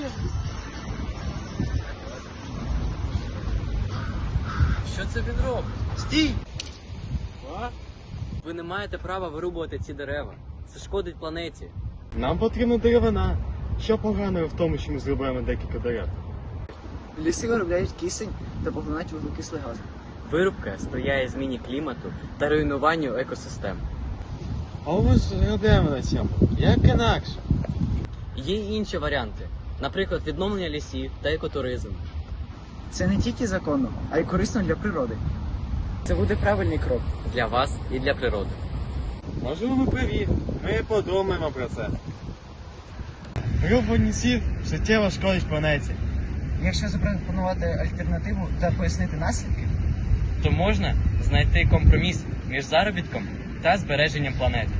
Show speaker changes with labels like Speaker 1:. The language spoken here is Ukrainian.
Speaker 1: Що це він робить?
Speaker 2: Стій!
Speaker 1: Ви не маєте права вирубувати ці дерева. Це шкодить планеті.
Speaker 2: Нам потрібна деревина. Що поганого в тому, що ми зрубаємо декілька дерев?
Speaker 3: Ліси виробляють кисень та поглинають вуглекислий газ.
Speaker 1: Вирубка сприяє зміні клімату та руйнуванню екосистем.
Speaker 2: А ми ж робимо на цьому. Як інакше?
Speaker 1: Є й інші варіанти, наприклад, відновлення лісів та екотуризм.
Speaker 3: Це не тільки законно, а й корисно для природи. Це буде правильний крок.
Speaker 1: Для вас і для природи.
Speaker 2: Можливо, ви праві. Ми подумаємо про це. Рубання лісів суттєво шкодить планеті.
Speaker 3: Якщо запропонувати альтернативу та пояснити наслідки,
Speaker 1: То можна знайти компроміс між заробітком та збереженням планети.